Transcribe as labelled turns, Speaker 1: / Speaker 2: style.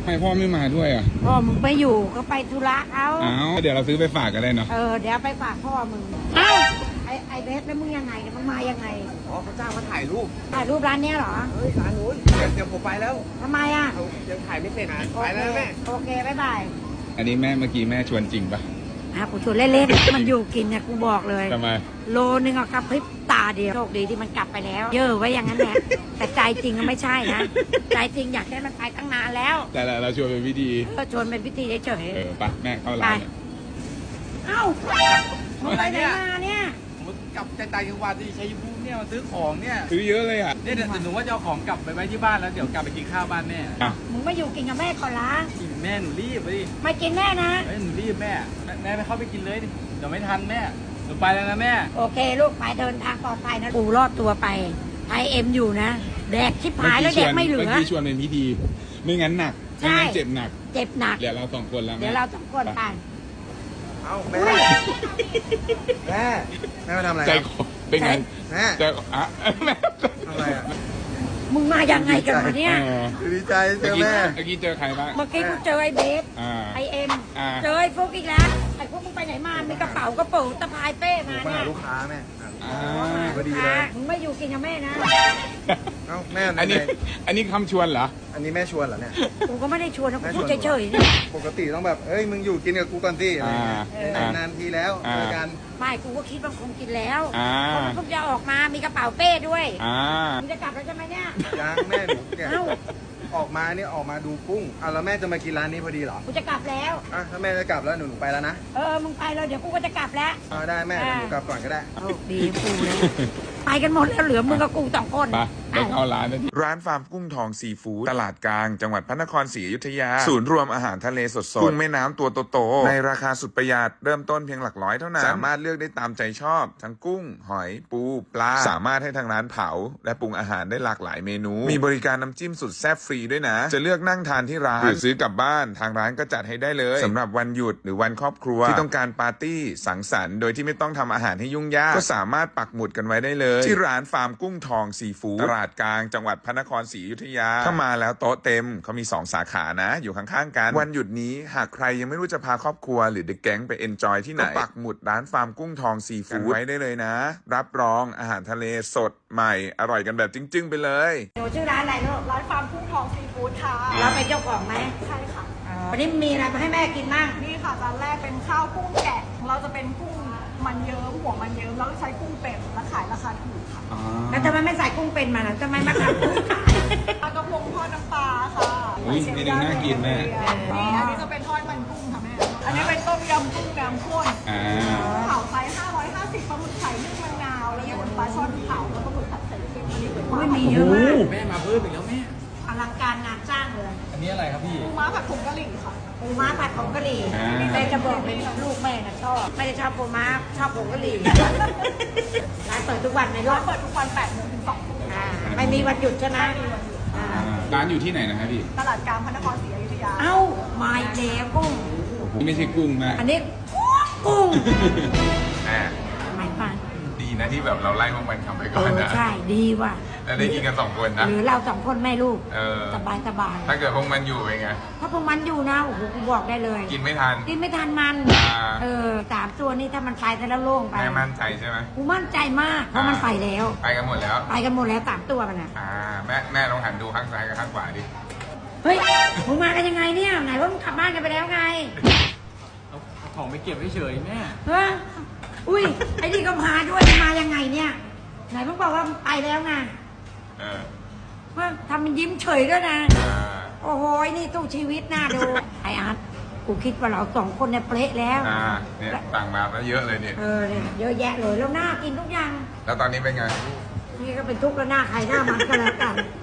Speaker 1: ทำไมพ่อไม่มาด้วยอ่ะ
Speaker 2: พ่อมึงไปอยู่ก็ไปธุระเขา
Speaker 1: เดี๋ยวเราซื้อไปฝากกันได้เนาะ
Speaker 2: เดี๋ยวไปฝากพ่อมึงไอ้เบสแล้วมึงยังไงมึงมายังไง
Speaker 3: เขาจ้างมาถ่ายรูป
Speaker 2: ร้านเนี้ยเหรอ
Speaker 3: ร้านนู้นเดี๋ยวผมไปแล้ว
Speaker 2: ทำไมอ่ะ
Speaker 3: ยังถ่ายไม่เสร็จไปแล้วแม่
Speaker 2: โอเคบ๊ายบาย
Speaker 1: อันนี้แม่เมื่อกี้แม่ชวนจริงปะ
Speaker 2: กูชวนเล่นๆมันอยู่กินเนี่ยกูบอกเลย
Speaker 1: ทำไม
Speaker 2: โลนึงอะกับพริบตาเดียวโชคดีที่มันกลับไปแล้วเยอะไว้อย่างนั้นแหละแต่ใจจริงก็ไม่ใช่นะใจจริงอยากให้มันไปตั้งนานแล้ว
Speaker 1: แต่เราชวนเป็นพิธี
Speaker 2: ชวนเป็นพิธีเฉย
Speaker 1: ไปแม่เข้าร้าน
Speaker 2: มึงไปไหนมาเนี่ย
Speaker 3: กลับใจต่างจังหวัดที่ชัยภูมิเนี่ยมาซื้อของเนี่ย
Speaker 1: ซื้อเยอะเลยอ่ะ
Speaker 3: เนี่ยเดี๋ยวหนูว่าจะเอาของกลับไปไว้ที่บ้านแล้วเดี๋ยวกลับไปกินข้าวบ้านแม่
Speaker 2: มึงไม่อยู่กินกับแม่ก่อนละ
Speaker 3: กินแม่หนูรีบไปดิ
Speaker 2: ไม่กินแม่นะ
Speaker 3: หนูรีบแม่ไปเข้าไปกินเลยดิเดี๋ยวไม่ทันแม่หนูไปแล้วนะแม่
Speaker 2: โอเคลูกไปเดินทางปลอดภัยนะกูรอดตัวไปไอเอ็มอยู่นะแดกชิบหายแล้วแดกไม่เหลือ
Speaker 1: เมื่อกี้ชวนเป็นพิธีไม่งั้นหนักไม่งั้นเจ็บหนักเดี๋ยวเราสองคนแล้ว
Speaker 2: เดี๋ยวเราสองคนไป
Speaker 3: เอาแม่มาทำอะไร
Speaker 1: ใจคอเป็นไง
Speaker 3: แม่
Speaker 1: ใจแม่
Speaker 3: ทำอะไรอ่ะ
Speaker 2: มึงมายังไงกันมาเนี่ย
Speaker 3: ดีใจเจอแม่
Speaker 1: เมื่อกี้เจอใครบ้าง
Speaker 2: เมื่อกี้กูเจอไอ้เบสไอเอ็มเจอไอ้ฟุกอีกแล้วไอ้ฟุกมึงไปไหนมามีกระเป๋ากระเป๋าตะพายเป้มาเนี่ย
Speaker 3: ลูกค้าแม่
Speaker 2: พอดีเลยมึงไม่อยู่กินกับแม่นะ
Speaker 3: เอ้าแม่
Speaker 1: อันนี้คำชวนเหรอ
Speaker 3: อันนี้แม่ชวนเหรอเนี่ย
Speaker 2: กูก็ไม่ได้ชวนนะกูพูดเฉยๆ
Speaker 3: ปกติต้องแบบเอ้ยมึงอยู่กินกับกูก่อนสินานทีแล้วเจอกัน
Speaker 2: ไม่กูก็คิดว่าคงกินแล้วเพราะมันเพิ่งจะออกมามีกระเป๋าเป้ด้วยมึงจะกลับแล้วใช่ไหมเนี่ย
Speaker 3: ยังแม่หนูเนี่ยออกมาเนี่ยออกมาดูกุ้งแล้วแม่จะมากินร้านนี้พอดีเหรอ
Speaker 2: กูจะกลับแล้ว
Speaker 3: ถ้าแม่จะกลับแล้วหนูไปแล้วนะ
Speaker 2: มึงไปเลยเดี๋ยวกูก็จะกลับแล้ว
Speaker 3: ได้แม่หนูกลับก่อนก็ได้
Speaker 2: ดีกูเลยไปกันหมดแล้วเหลือมึงกับกู2 คน
Speaker 1: ไปเข้าร้าน
Speaker 4: ร้านฟาร์มกุ้งทองซีฟู้ดตลาดกลางจังหวัดพระนครศรีอยุธยาศูนย์รวมอาหารทะเลสดๆกุ้งแม่น้ำตัวโตๆในราคาสุดประหยัดเริ่มต้นเพียงหลักร้อยเท่านั้นสามารถเลือกได้ตามใจชอบทั้งกุ้งหอยปูปลาสามารถให้ทางร้านเผาและปรุงอาหารได้หลากหลายเมนูมีบริการน้ำจิ้มสุดแซ่บฟรีด้วยนะจะเลือกนั่งทานที่ร้านหรือซื้อกลับบ้านทางร้านก็จัดให้ได้เลยสำหรับวันหยุดหรือวันครอบครัวที่ต้องการปาร์ตี้สังสรรค์โดยที่ไม่ต้องทำอาหารให้ยุ่งยากก็สามารถปักหมุดกันไว้ได้เลยที่ร้านฟาร์มกุ้งทองซีฟู้ดตลาดกลางจังหวัดพระนครศรีอยุธยาถ้ามาแล้วโต๊ะเต็มเขามี2 สาขานะอยู่ข้างๆกันวันหยุดนี้หากใครยังไม่รู้จะพาครอบครัวหรือเด็กแก๊งไปเอนจอยที่ไหนก็ปักหมุดร้านฟาร์มกุ้งทองซีฟู้ดไว้ได้เลยนะรับรองอาหารทะเลสดใหม่อร่อยกันแบบจึ้งๆไปเลย
Speaker 2: หนูชื่อร้านอะไรลูก
Speaker 5: ร้านฟาร์มกุ้งทองซีฟู้ดค่ะ
Speaker 2: เราเป็นเจ้าของไหม
Speaker 5: ใช่ค่ะ
Speaker 2: วันนี้มีอะไรมาให้แม่กินบ้าง
Speaker 5: นี่ค่ะจานแรกเป็นข้าวกุ้งแกะเราจะเป็นกุ้งมันเยิ้มหัวมันเยิ้มแล้วใช้กุ้งเป็ดและขายราคาถูกค่ะ
Speaker 2: แล้วทำไมไม่ใส่กุ้งเป็นมาล่ะทำไมมาทำกุ้งขาย
Speaker 5: ปลากระพงทอดน้ำปลาค่ะ
Speaker 1: เมนูน่ากินแม่
Speaker 5: นี่อันนี้จะเป็นทอดมันกุ้งค่ะแม่อันนี้เป็นต้มยำกุ้งน้ำข้นเผาไซส์550ปลาหมึกไข่นึ่งมะนาวแล้วก็ปลาช่อนเผาแล้วก็หมึกผัดใส่เค็มอันนี้
Speaker 2: ไม่มีเยอะมาก
Speaker 3: แม่มาเพิ่มอีกแล้วแม่
Speaker 2: อลังการงานสร้างเลย
Speaker 3: อันนี้อะไรครับพี่
Speaker 5: ปูม้าผัดผงกะหรี่ค่ะ
Speaker 2: ปูม้าผัดผงกะหรี่แม่จะบอกเลยลูกแม่น่ะชอบไม่ได้ชอบปูม้าชอบผงกะหรี่ร้านเปิดทุกวันในรอบ
Speaker 5: เปิดทุกวัน8 โมงถึง2 ทุ่ม
Speaker 2: ไม่มีวันหยุดใช่ไหม
Speaker 1: ร้านอยู่ที่ไหนนะครับพี่
Speaker 5: ตลาดกลางพระนครศรีอยุธยา
Speaker 2: มาอีกแล้วกุ้ง
Speaker 1: ไม่ใช่กุ้งนะ
Speaker 2: อันนี้กุ้ง
Speaker 1: ไม่ฟังดีนะที่แบบเราไล่พวกมันทำไปก่อนนะ
Speaker 2: ใช่ดีว่ะ
Speaker 1: แล้วได้กินกัน2 คนนะ
Speaker 2: หรือเรา2 คนแม่ลูกสบาย
Speaker 1: ถ้าเกิดพวกมันอยู่เป็นไง
Speaker 2: ถ้าพวกมันอยู่นะโอ้โหกูบอกได้เลย
Speaker 1: กินไม่ทัน
Speaker 2: มัน3 ตัวนี้ถ้ามันไปแต่แล้วโล่งไป
Speaker 1: แม่มั่นใจใช่ไหม
Speaker 2: กูมั่นใจมากเพราะมันไปแล้ว
Speaker 1: ไปกันหมดแล้ว
Speaker 2: 3 ตัวมัน
Speaker 1: แม่ลองหันดูข้างซ้ายกับข้างขวาดิ
Speaker 2: เฮ้ยมึงมากันยังไงเนี่ยไหนว่ามึงกลับบ้านกันไปแล้วไง
Speaker 3: เอาของไปเก็บเฉยแม่
Speaker 2: อุ้ยไอ้นี่ก็มาด้วยมายังไงเนี่ยไหนมึงบอกว่าไปแล้วไงว่าทำมันยิ้มเฉยด้วยนะโอ้โหนี่ตู้ชีวิตน่าดูไอ้อาร์ตกูคิดว่าเรา2 คนเนี่ยเป๊ะแล้ว
Speaker 1: เนี่ยต่างมาแล้วเยอะเลยเนี่ย
Speaker 2: เยอะแยะเลยแล้วน่ากินทุกอย่าง
Speaker 1: แล้วตอนนี้เป็นไง
Speaker 2: นี่ก็เป็นทุกข์แล้วหน้าใครหน้ามันก็แล้วกัน